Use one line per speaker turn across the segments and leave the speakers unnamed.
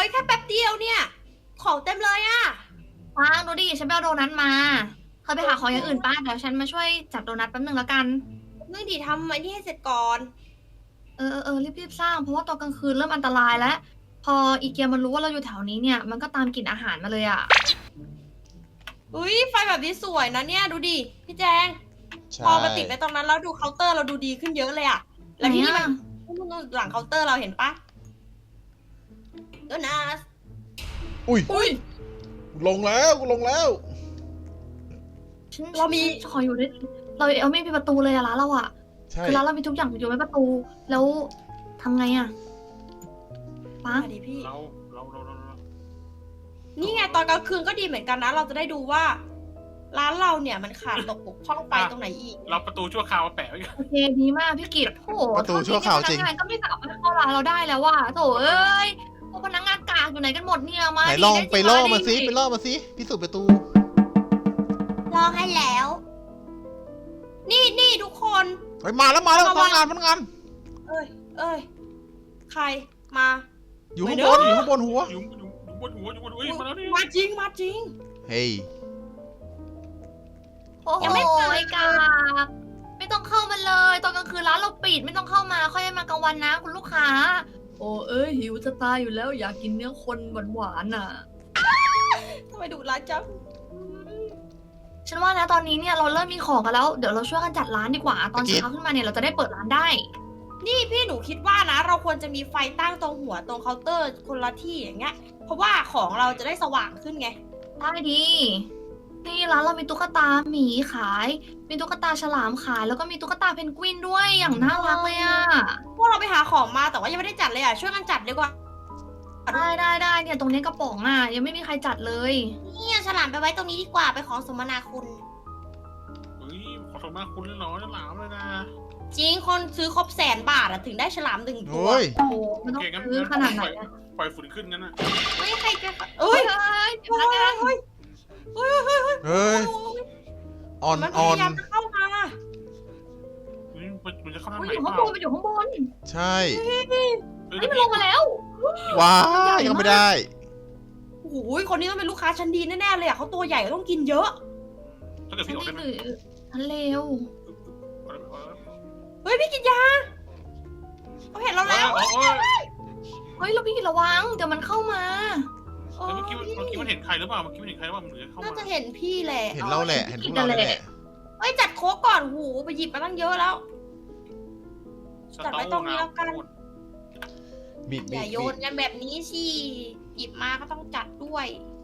แค่แป๊บเดียวเนี่ย ของเต็มเลยอะ
ฟางดูดิฉันไปเอาโดนัทมาเธอไปหาของอย่างอื่นป้าเดี๋ยวฉันมาช่วยจัดโดนัทแป๊บนึงแล้วกัน
นึ่งดีทำไอ้นี่ให้เสร็จก่อน
รีบๆสร้างเพราะว่าตอนกลางคืนเริ่มอันตรายแล้ว พออีเกียมันรู้ว่าเราอยู่แถวนี้เนี่ยมันก็ตามกลิ่นอาหารมาเลยอ่ะ
อุ้ยไฟแบบนี้สวยนะเนี่ยดูดิพี่แจง
ใช่
พอมาติดไว้ตรงนั้นแล้วดูเคาน์เตอร์เราดูดีขึ้นเยอะเลยอะแล้วที่นี่มัน
ไหนอะ
นู่นหลังเคาน์เตอร์เราเห็นปะโดนัท
อุ้ย
อุ้ย
ลงแล้วลงแล้ว
เรามี
ขออยู่ด้วยเราไม่มีประตูเลยอะร้านเราอะ
ใช่
คือร้านเรามีทุกอย่างอยู่ไม่ประตู แล้วทำไงอะป้า
มาดิพี่
เรา
นี่ไงตอนกลางคืนก็ดีเหมือนกันนะ เราจะได้ดูว่า ร้านเราเนี่ยมันขาดตกบกพร่องไปตรงไหนอีก
เราประตูชั่วคราวมาแปะไว้กัน
โอเคดีมากพี่กิตโอ้โห
ประตูชั่วคราวจริง
พนักงานก็ไม่สามารถเข้าร้านเราได้แล้วว่ะโถเอ้ยพวกพนักงานกากอยู่ไหนกันหมดเนี่ยมา
ไหน
ดิ
ลอง
ด้
ไปล่อ
ดิ
มาสิไปล่อมาสิพิสูจน์ประตู
ลองให้แล้ว นี่ทุกคน
เฮ้ยมาแล้วมาแล้วพนักงานพนักงาน
เอ้ย ใครมา
อยู่ข้าง
ไม่
บ
เน
น
อะ
อยู่ข้างบนหัว
อยู่บนหัวเอ้ยมาแล้วนี่
มาจริงมาจริง
เฮ้ย
โอ้โห
ยังไม่เปิด
กากไม่ต้องเข้ามาเลยตอนกลางคืนร้านเราปิดไม่ต้องเข้ามาค่อยมากลางวันนะคุณลูกค้า โอ้เอ้ยหิวจะตายอยู่แล้วอยากกินเนื้อคนหวานๆน่ะ
ทำไมดุร้ายจัง
ฉันว่านะตอนนี้เนี่ยเราเริ่มมีของกันแล้วเดี๋ยวเราช่วยกันจัดร้านดีกว่า ตอน
เมื่อกี้
เช้าขึ้นมาเนี่ยเราจะได้เปิดร้านได้
นี่พี่หนูคิดว่านะ เราควรจะมีไฟตั้งตรงหัวตรงเคาน์เตอร์คนละที่อย่างเงี้ย เพราะว่าของเราจะได้สว่างขึ้นไง
ได้ดีนี่ร้านเรามีตุ๊กตาหมีขาย มีตุ๊กตาฉลามขาย แล้วก็มีตุ๊กตาเพนกวินด้วยอย่างน่ารักเลยอ่ะ
พวกเราไปหาของมาแต่ว่ายังไม่ได้จัดเลยอ่ะ ช่วยกันจัดดีกว่า
ได้เนี่ยตรงนี้กระป๋องอ่ะยังไม่มีใครจัดเลย
เนี่ยฉลามไปไว้ตรงนี้ดีกว่าไปของสมนาคุณ
เฮ้ยขอสมากคุณเลยเหรอจะหลามเลยนะ
จริงคนซื้อครบ100,000 บาทอะถึงได้ฉลาม1 ตัว
โอ้ย
โอ้โหมันต้องซื้อขนาดไหนอะ
ปล่อยฝุ่นขึ้นงั้นน่ะ
เฮ้ยใครจะเอ้ย
พนักงาน
เฮ้ย
เฮ้ยออน
มันพ
ออน
ยายามจะเข้ามา
เฮ้ยมันจะเข้าทาง
มัน
ไหน
อยู่
เป
ข้าง
ล่า
บนมันอยู่ข้างบน
ใช่
เฮ้ย
มันลงมาแล้ว
ว้ายยังไม่ได้
โอ้โหคนนี้ต้องเป็นลูกค้าชั้นดีแน่ๆเลยอะเขาตัวใหญ่ต้องกินเยอะ
ถ้าเกิด
ฉัน
พี่ออก
นี่
ได้ไหม
หรือฉันเลว
เฮ้ยพี่กินยาเขาเห็นเราแล้ว
เฮ้ยเราพี่กินระวังเดี๋ยวมันเข้ามา
เมื่อกี้มันเห็นใครหรือเปล่าเมื่อกี้มันเห็นใครหรือเปล่ามันเหลือเข้า
น่า
มา
จะเห็นพี่แหละ
เห็นเราแหละเห็นพวกเราแหละ
เฮ้ยจัดโค้กก่อนหูไปหยิบมาตั้งเยอะแล้ว จัดไว้ตรงนี้แล้วกัน
บิด
อ
บิ
ย่า
ด
โยนกันแบบนี้สิหยิบมาก็ต้องจัดด้วย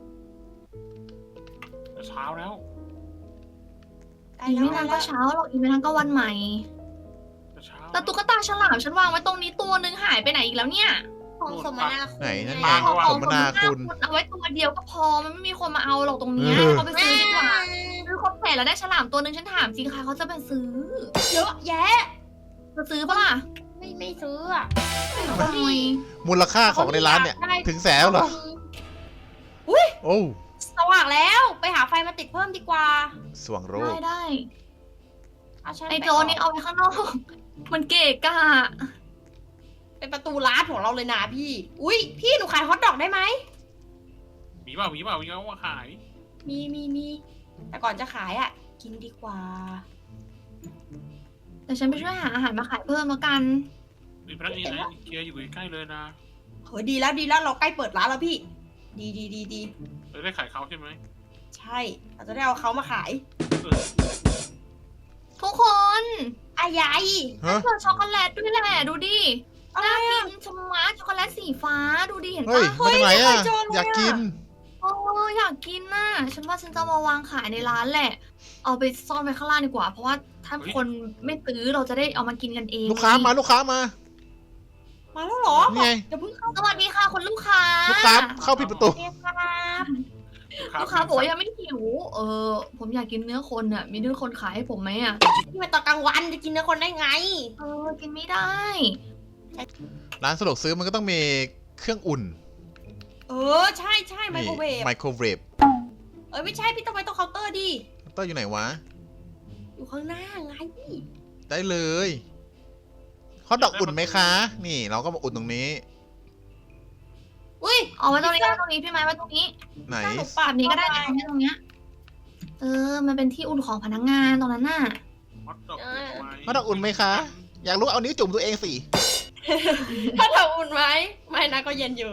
เช้าแล้ว
ได้
อีก
แล้ว
ไม่นานก็เช้าหรอกอีกไม่นานก็วันใหม่
เช้า
แต่ตุ๊กตาฉลามฉันวางไว้ตรงนี้ตัวหนึ่งหายไปไหนอีกแล้วเนี่ย
ของสมนาคุณ
ไหนนั่น
ไง
ไง
วาง
สมนาคุณ
เอาไว้ตัวเดียวก็พอมันไม่มีคนมาเอาหรอกตรงเนี้ยเอาไปซื้อดีกว่าซื้อครบแผงแล้วได้ฉลามตัวหนึ่งฉันถามจริงค่ะเขาจะไปซื้อ
เยอะแยะ
จะซื้อปะล่ะ
ไม่ซื้ออะ
ทำไม
มูลค่าของในร้านเนี่ย
ได้
ถึงแสนแล้วเหรอ โอ้
สว่างแล้วไปหาไฟมาติดเพิ่มดีกว่า
สว่างโรค
ได้
เอาฉัน
ไอ
ไป
โจนี่เอาไว้ข้างนอก มันเกะกะ
เป็นประตูร้านของเราเลยนะพี่ อุ้ยพี่หนูขายฮอทดอกได้ไหม
มีเปล่าเอามาขาย
มีแต่ก่อนจะขายอ่ะ กินดีกว่า
แต่ฉันไปช่วยหาอาหารมาขายเพิ่มแล้วกัน
มีพนักงานเกียร์อยู่ใกล้เลยนะ
เฮ้ยดีแล้วเราใกล้เปิดร้านแล้วพี่ ดี
ได้ขายเขาใช่ไหม
ใช่ เราจะได้เอาเขามาขาย
ทุกคน
อายาย
ฮะ
เจอช็อกโกแลตด้วยแหละดูดิ
อะไร
น่า
อ่ะ
กินชะมัดช็อกโกแลตสีฟ้าดูดิเห็น
เฮ้ย
ปะ
มาจากไหนอ่ะ
ไม่เคยเจอเลยอะ
อยากกิน
โอ้อยากกินน่ะฉันว่าฉันจะเอามาวางขายในร้านแหละ เอาไปซ่อนไว้ข้างล่างดีกว่า เพราะว่าถ้าคนไม่ซื้อเราจะได้เอามากินกันเอง
ลูกค้ามาลูกค้ามา
มาแล้วเหรอ
นี่ไง
อย่าเพิ่งเข้า
สวัสดีค่ะคุณลูกค้า
ลูกค้าเข้าผิดประตู
เรียกครับ
ลูกค้าบอกว่ายังไม่หิว ผมอยากกินเนื้อคนอ่ะ มีเนื้อคนขายให้ผมไหมอ่ะ
นี่มันตอนกลางวันจะกินเนื้อคนได้ไง
กินไม่ได้
ร้านสะดวกซื้อมันก็ต้องมีเครื่องอุ่น
ใช่ไมโครเวฟ
ไมโครเวฟ
ไม่ใช่พี่ต้องไปตรงเคาน์เตอร์ดิ
ต้ออยู่ไหนวะ
อยู่ข้างหน้าไง
ได้เลยฮอทดอกอุ่นไหมคะ นี่เราก็มาอุ่นตรงนี้
อุ้ย
เอาไว้ตรงนี้ไว้ตรงนี้พี่ไม้ไว้ตรงนี้
ไหน
ถ้าหนู
แบ
ปาด
บนี้ก็ได้
เข้า
ต
ป
รงนี้ตรงเนี้ยมันเป็นที่อุ่นของพนักงานตรงนั้นน่ะ
ฮอตดอก
ฮอตดอกอุ่นไหมคะ อยากรู้เอานิ้วจุ่มตัวเองสิ
ถ้าเธออุ่นไหมไม่นะก็เย็นอยู่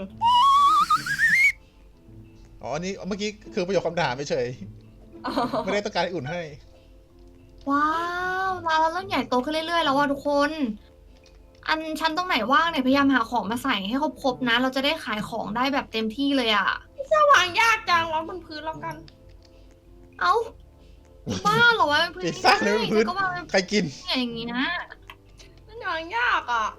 อ๋ออันนี้เมื่อกี้คือประโยคคำถามเฉยไม่ได้ต้องการให้อุ่นให้
ว้าวร้านเราเริ่มใหญ่โตขึ้นเรื่อยๆแล้วว่ะทุกคน อันชั้นตรงไหนว่างเนี่ยพยายามหาของมาใส่ให้ครบๆนะ เราจะได้ขายของได้แบบเต็มที่เลยอ่ะ
วางยากจังวางบนพื้นแล้วกัน
เอ้าบ้าเหรอวะเป็นพื้น
พิซซ่าเลยเป็นพื้น
ก็วางเป็น
ใครกิน
อย่างนี้นะ
มันวางยากอ่ะ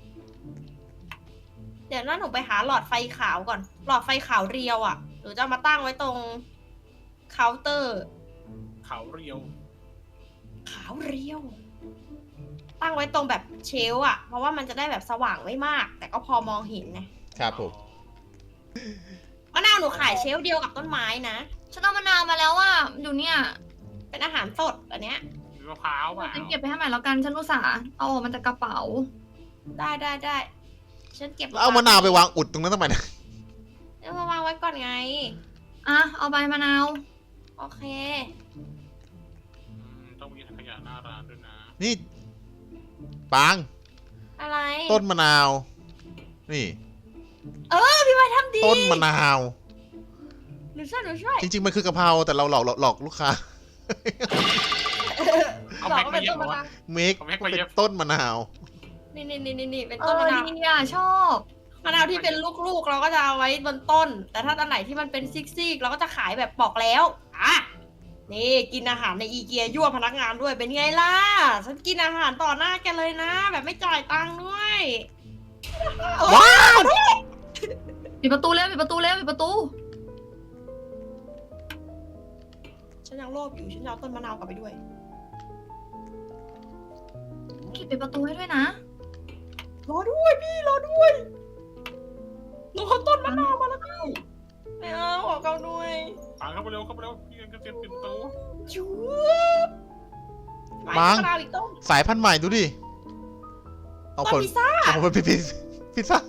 เดี๋ยวน่าหนูไปหาหลอดไฟขาวก่อน หลอดไฟขาวเรียวอ่ะหนูจะเอามาตั้งไว้ตรงเคาน์เตอร์
เขาเรียว
ขาวเรียว ตั้งไว้ตรงแบบเชลฟ์อ่ะ เพราะว่ามันจะได้แบบสว่างไม่มาก แต่ก็พอมองเห็นไง
ครับผม
มะนาวหนูขายเชลฟ์เดียวกับต้นไม้นะ
ฉันเอามะนาวมาแล้วว่าอยู่เนี่ย
เป็นอาหารสดอันเนี้ย
มีมะพร้าวเปล่า
ฉันเก็บไปให้ใหม่แล้วกันฉันอุตส่าห์เอาออกมาจากกระเป๋า
ได้ฉันเก็บ
แล้วเอามะนาวไปวางอุดตรงนั้นทำไมนะ
เอามาวางไว้ก่อนไง
อ่ะเอาใบมะนาว
โอเค
ต้องมีถังขยะหน้าร้านด้วยนะ
นี่ปาง
อะไร
ต้นมะนาว นี่
พี่ไม้ทำดี
ต้นมะนาว
หนูช่วย
จริงๆมันคือกะเพราแต่เราหลอกลูกค้า
เอา
บอ
แม็
ก
ก
ว่า
มา
เป็น
เย็
ต้
บ
น
เหร
มะ
อวะ
นาว
เมค
เอาแม็กมา
เป็
เย็บ
นต้นมะนาว
นี่เป็น
เอ
ต้น
อ
มะนาว
ดีอ่ะชอบ
มะนาวที่เป็นลูกๆเราก็จะเอาไว้บนต้น แต่ถ้าอันไหนที่มันเป็นซิกๆเราก็จะขายแบบปอกแล้วอ่ะนี่กินอาหารในอีเกียยั่วพนักงานด้วยเป็นไงล่ะ ฉันกินอาหารต่อหน้าแกเลยนะ แบบไม่จ่ายตังค์ด้วย
ว้าว
ปิดประตูเร็วปิดประตูเร็วปิดประตู
ฉันยังโลภอยู่ฉันจะเอาต้นมะนาวกลับไปด้วย
ปิดประตูให้ด้วยนะ
รอด้วยพี่รอด้วยหนูเอาต้นมะนาวมาแล้วพี่ไม่เอาขอเขาด้วย
ปางเข้าไปเร็วพี่กันก็เตรียมปิดประตู
ชูบ
บาง
มะนาวอีกต้น
สายพันธุ์ใหม่ดูดิ เอา
ต้
ผ
น
ล
พิซซ่า
เอาผลพิซซ่า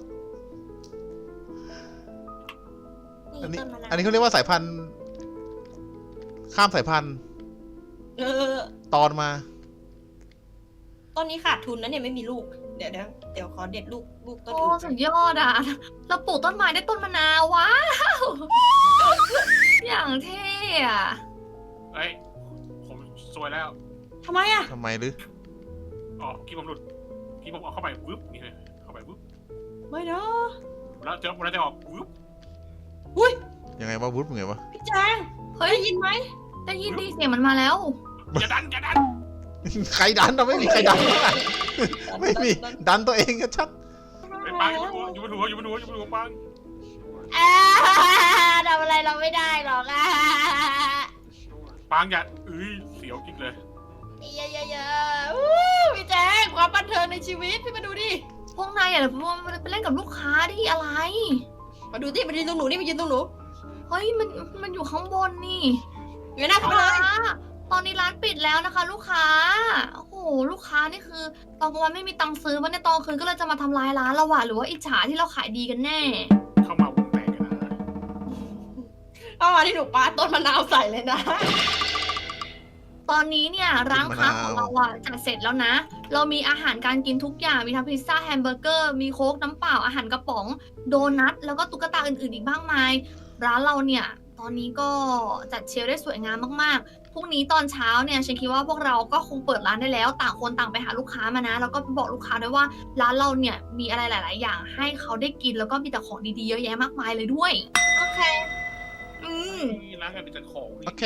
อันนี้
ต้นมะนาว
อันนี้เขาเรียกว่าสายพันธุ์ ข้ามสายพันธุ์
เออ
ตอนมา
ต้นนี้ขาดทุนนะเนี่ยไม่มีลูก เดี๋ยวขอเด็ดลูกต้น
โอ้
อื่น
สุดยอดอ่ะ เราปลูกต้นไม้ได้ต้นมะนาวว้าว อย่างเท่อะ
เอ้ยผมซวยแล้ว
ทำไมอ่ะ
ทำไมหรือ
อ๋อกี้ผมหลุดกี้ผมเอาเข้าไปวึบนี่เลยเข้าไปวึบ
ไม่นะ
แล้วเจอมันจะออกวึบ
อุ้ย
ยังไงวะวุฒิมึงไงวะ
พี่แจง
เฮ้ย
ได้ยินไหม
ได้ยินดีเสียงมันมาแล้ว
อย่าดัน
ใครดันเราไม่มีใครดันเลยไม่มีดันตัวเองก็ชัด
ไอ้ปางอยู่บนหัวปาง
อ่าทำอะไรเราไม่ได้หรอกอ่ะ
ปางอย่าเสียวกิ๊กเลย
เยอะๆอู้พี่แจงความบันเทิงในชีวิตพี่มาดูดิ
พวกนายอย่าไปเล่นกับลูกค้าที่อะไร
มาดูที่มายืนตรงหนูนี่มายืนตรงหนู
เฮ้ยมันอยู่ข้างบนนี่
อยู่หน้า
ลู
เขา
ก
เลย
ค้าตอนนี้ร้านปิดแล้วนะคะ ลูกค้า โอ้โห ลูกค้านี่คือ ตอนกลางวันไม่มีตังค์ซื้อมันในตอนคืนก็เลยจะมาทำลายร้านเราว่ะหรือว่าอิจฉาที่เราขายดีกันแน่
เข้ามาวงแตกกันนะ
เข้ามาที่หนูปาต้นมะนาวใส่เลยนะ
ตอนนี้เนี่ยร้านค้าของเราอะจัดเสร็จแล้วนะ เรามีอาหารการกินทุกอย่าง มีทั้งพิซซ่าแฮมเบอร์เกอร์ มีโค้กน้ำเปล่า อาหารกระป๋อง โดนัท แล้วก็ตุ๊กตาอื่นๆอีกมากมาย ร้านเราเนี่ย ตอนนี้ก็จัดเชลฟ์ได้สวยงามมากๆ พรุ่งนี้ตอนเช้าเนี่ยฉันคิดว่าพวกเราก็คงเปิดร้านได้แล้ว ต่างคนต่างไปหาลูกค้ามานะ แล้วก็บอกลูกค้าด้วยว่าร้านเราเนี่ยมีอะไรหลาย ๆ อย่างให้เขาได้กิน แล้วก็มีแต่ของดีๆเยอะแยะมากมายเลยด้วย
โอเค
ร้านกันเป็นจัดของ
โอเค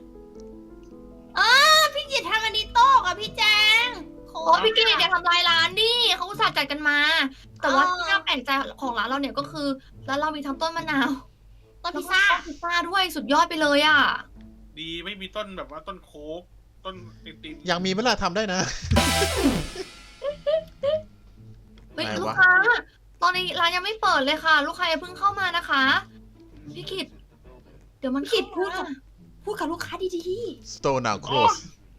พี่กิตทำอันนี้โต๊ะอะพี่แจง
โอ้ยพี่กิตอย่าทำลายร้านดิเขาอุตส่าห์จัดกันมา แต่ว่าที่น่าแปลกใจของร้านเราเนี่ยก็คือร้านเรามีทั้งต้นมะนาว
ต้นพิซซ่า
แล้วก็ต้นพิซซ่าด้วยสุดยอดไปเลยอ่ะ
ดีไม่มีต้นแบบว่าต้นโค้กต้นติน
ยังมีเวลาทำได้นะ
เฮ้ย
ไหนวะ
ลูกค้า ตอนนี้ร้านยังไม่เปิดเลยค่ะ ลูกค้าอย่าเพิ่งเข้ามานะคะ พี่กิตเดี๋ยวมัน
พี่กิต
เข้ามา
พูดกับลูกค้าดี
Store now close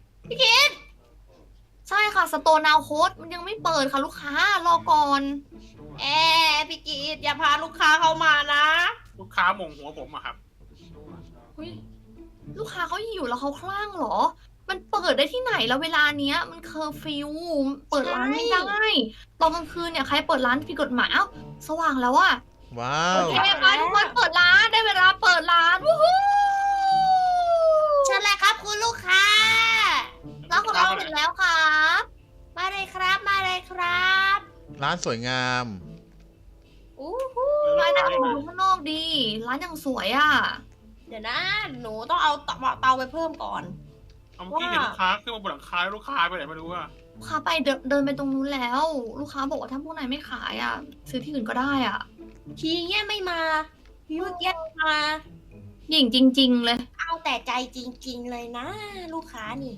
ใช่ค่ะสโตนาวโค้ดมันยังไม่เปิดค่ะลูกค้ารอก่อน
ๆพี่กิตอย่าพาลูกค้าเข้ามานะ
ค้าหม่งหัวผมอะครับ
อุ๊ยลูกค้าเขาหิวแล้วเขาคลั่งเหรอ มันเปิดได้ที่ไหนแล้วเวลาเนี้ย มันเคอร์ฟิวเปิดร้านไม่ได้ตอนกลางคืนเนี่ยใครเปิดร้านผิดกฎหมายเอ้าสว่างแล้วอะ
ว้า
โอ
ว
เคไปทุกคนเปิดร้านได้เวลาเปิดร้านวู้ฮู้
เชิญเลยครับคุณลูกค้า
ร้านของเราถึงแล้วครับ
มาเลยครับมาเลยครับ
ร้านสวยงาม
อู้หู
ร้านนั่งดูข้างนอกดี ร้านยังสวยอะ
เดี๋ยวนะ หนูต้องเอาเตาไปเพิ่มก่อน
เอาเมื่อกี้เห็นลูกค้าขึ้นมาบนหลังคาแล้วลูกค้าไปไหนไม่รู้อะ
ลูกค้าไปเดินไปตรงนู้นแล้ว ลูกค้าบอกว่าถ้าพวกนายไม่ขายอะซื้อที่อื่นก็ได้อะ
ทีเงี้ยไม่มาพี่เมื่อกี้มา
หญิงจริง ๆ เลย
เอาแต่ใจจริง ๆ เลยนะ ลูกค้านี่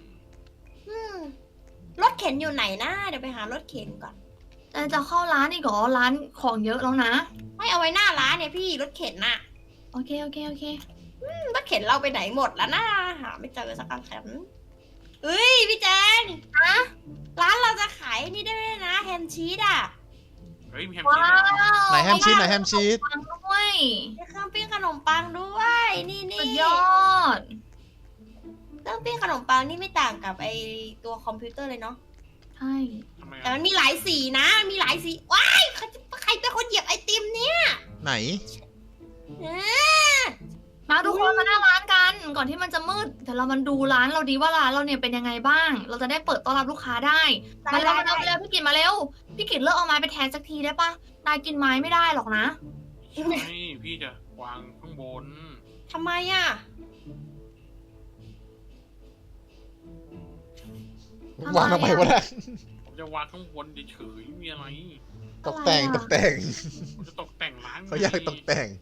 รถเข็นอยู่ไหนนะ เดี๋ยวไปหารถเข็นก่อน
แต่จะเข้าร้านอีกเหรอร้านของเยอะแล้วนะ
ไม่เอาไว้หน้าร้านเนี่ยพี่รถเข็นน่ะ
โอเค
รถเข็นเราไปไหนหมดแล้วนะหาไม่เจอสักคันเอ้ยพี่แจง
ฮะ
ร้านเราจะขายนี่ได้ไหมนะแฮมชีสอ่ะ
เฮ้ยมีแฮม
ว้า
ชีสด้วย
ว
ไหนแฮมชีสไหนแฮมชีส
ปังด้วย
มีเครื่องปิ้งขนมปังด้วย นี่
สุด
นี่
ยอด
เครื่องปิ้งขนมปังนี่ไม่ต่างกับไอตัวคอมพิวเตอร์เลยเนาะ
ใช่
ทำไม
แต่
อะ
มันมีหลายสีนะมีหลายสีว้ายใครเป็นคนเหยียบไอติมเนี่ย
ไหน
มาทุกคนมาหน้าร้านกัน ก่อนที่มันจะมืดเดี๋ยวเรามาดูร้านเราดีว่าร้านเราเนี่ยเป็นยังไงบ้าง เราจะได้เปิดต้อนรับลูกค้าได้ มาเร็วพี่กิตมาเร็ว พี่กิตเลิกเอาไม้ไปแทนสักทีได้ปะนายกินไม้ไม่ได้หรอกนะ
ใช่พี่จะวางข้างบน
ทำไมอ่ะ
วางทำไมวะเนี่ย
ผมจะวางข้างบนเฉยๆมีอะไร
ตกแต่ง
อะไรอะ
ตกแต่ง
ผมจะตกแต่งร้าน
เขาอยากตกแต่ง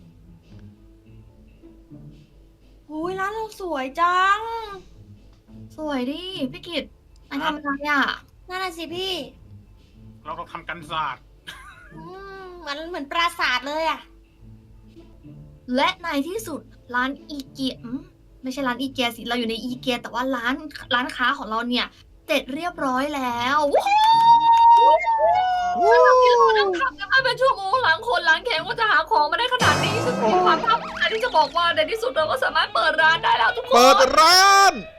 โอ้ยร้านเราสวยจัง
สวยดิพี่กิตนายทำอะไรอ่ะ
นั่นน่ะสิพี่
เราต้องทำกันศาสตร์
เหมือนปราสาทเลยอ่ะ
และในที่สุดร้านอีเกียไม่ใช่ร้านอีเกียสิเราอยู่ในอีเกียแต่ว่าร้านค้าของเราเนี่ยเสร็จเรียบร้อยแล้วว้าวที่เรานั่งทำกันมาเป็นชั่วโมงหลังคนหลังแข็งว่าจะหาของมาได้ขนาดนี้ฉันมีความภาคภูมิใจที่จะบอกว่าในที่สุดเราก็สามารถเปิดร้านได้แล้วทุกคน
เปิดร้าน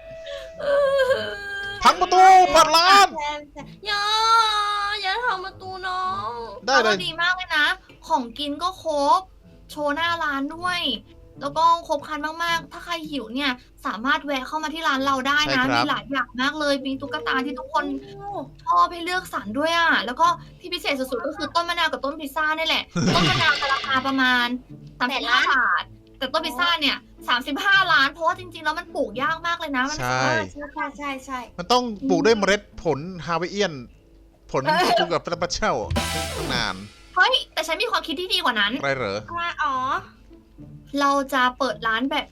พังประตูเปิดร้าน
อย่าทำประตูน้อง
ได้เลย
ดีมากเลยนะ ของกินก็ครบ โชว์หน้าร้านด้วย แล้วก็ครบครันมากๆ ถ้าใครหิวเนี่ยสามารถแวะเข้ามาที่ร้านเราได้นะ มีหลายอย่างมากเลย มีตุ๊กตาที่ทุกคนชอบให้เลือกสรรด้วยอ่ะ แล้วก็ที่พิเศษสุดๆก็คือต้นมะนาวกับต้นพิซซ่านี่แหละ ต้นมะนาวจะราคาประมาณ35 บาท แต่ต้นพิซซ่าเนี่ย35 ล้าน เพราะว่าจริงๆแล้วมันปลูกยากมากเลยนะมัน
ใช่
ใช่
มันต้องปลูกด้วยเมล็ดผลฮาวายเอียน ผลปลูกกับปลาเช่าตั้งนาน
เฮ้ยแต่ฉันมีความคิดที่ดีกว่านั้น
อะไรเหรอ
อะไรอ๋อ
เราจะเปิดร้านแบบ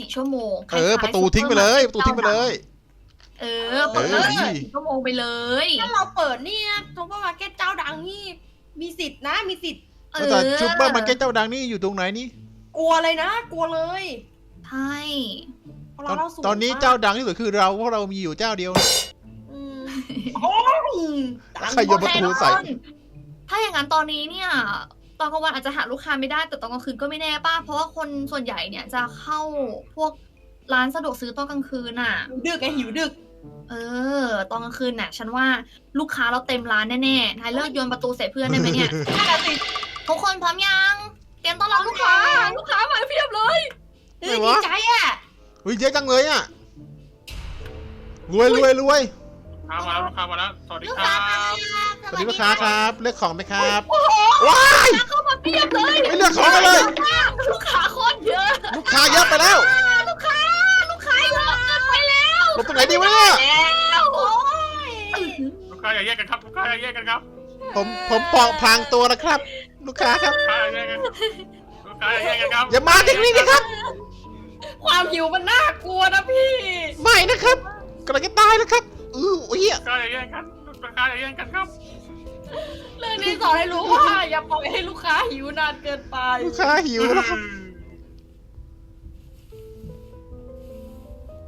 24 ชั่วโมง
เออ ประตูทิ้งไปเลย ประตูทิ้งไปเลย
เออ เปิดร้าน
เออ
24 ชั่วโมงไปเลย
ถ้าเราเปิดเนี่ยซูเปอร์มาร์เก็ตเจ้าดังนี่มีสิทธิ์นะมีสิทธิ์
เอ
แต่
อ
ซูเปอร์มาร์เก็ตเจ้าดังนี่อยู่ตรงไหนนี่
กลัวเลยนะ กลัวเลย
ใช่
ร้านเราสูง
ตอนนี้
มก
เจ้าดังที่สุดคือเราเพราะเรามีอยู่เจ้าเดียว
อืมโอ้ยดัง
ใครโยนประตูใส่
ถ้าอย่างนั้นตอนนี้เนี่ย ตอนกลางวันอาจจะหาลูกค้าไม่ได้ แต่ตอนกลางคืนก็ไม่แน่ป้า เพราะว่าคนส่วนใหญ่เนี่ยจะเข้าพวกร้านสะดวกซื้อตอนกลางคืนน่ะ
หิวดึกไงหิวดึก
เออ ตอนกลางคืนน่ะ ฉันว่าลูกค้าเราเต็มร้านแน่ๆ นายเลิกโยนประตูใส่เพื่อนได้ไหมเนี่ย ทุกคนพร้อมยัง เตรียมต้อนรับลูกค้า ลูกค้ามาเพียบเลย
เฮ้ย
ไหน
ดี
วะ
ใจอ่ะ
อุ้ยเยอะจังเลยอ่ะ รวย
ลูกค้ามาแล้วลูกค้ามาแล้วสวัสดี
ลูก
ค
ค้า
รั
มา
บ
ครับ
สวัสดีลูกค้าครับ เลือกของไหมครับ
โอ้โห
ว้าย
เข้ามาเพียบเลย
ไม่เลือกของกันเลย
ลูกค้าโคตรเยอะ
ลูกค้าเยอะไปแล้ว
ลูกค้าเยอะเกินไปแล้ว
หลบตรงไหนดีวะเนี่ย
แล้วโอ้ย
ลูกค้าอย่าแยกกันครับลูกค้าอย่าแยกกันครับ
ผมปอกพลางตัวนะครับ ลูกค้าครับ
ลูกค้าอย่าแยกกันลูกค้าอย่าแยกกันครับ
อย่ามาที่นี่นะครับ
ความหิวมันน่ากลัวนะพี่
ไม่นะครับกำลังจะตายแล้วครับอุ้ย
ลูกค้าอย่าแยกกันลูกค้าอย่าแยกกันครับ
เรื่องนี้สอนให้รู้ว่า อย่าปล่อยให้ลูกค้าหิวนานเกินไป
ลูกค้าหิวแล้วครับ
อืม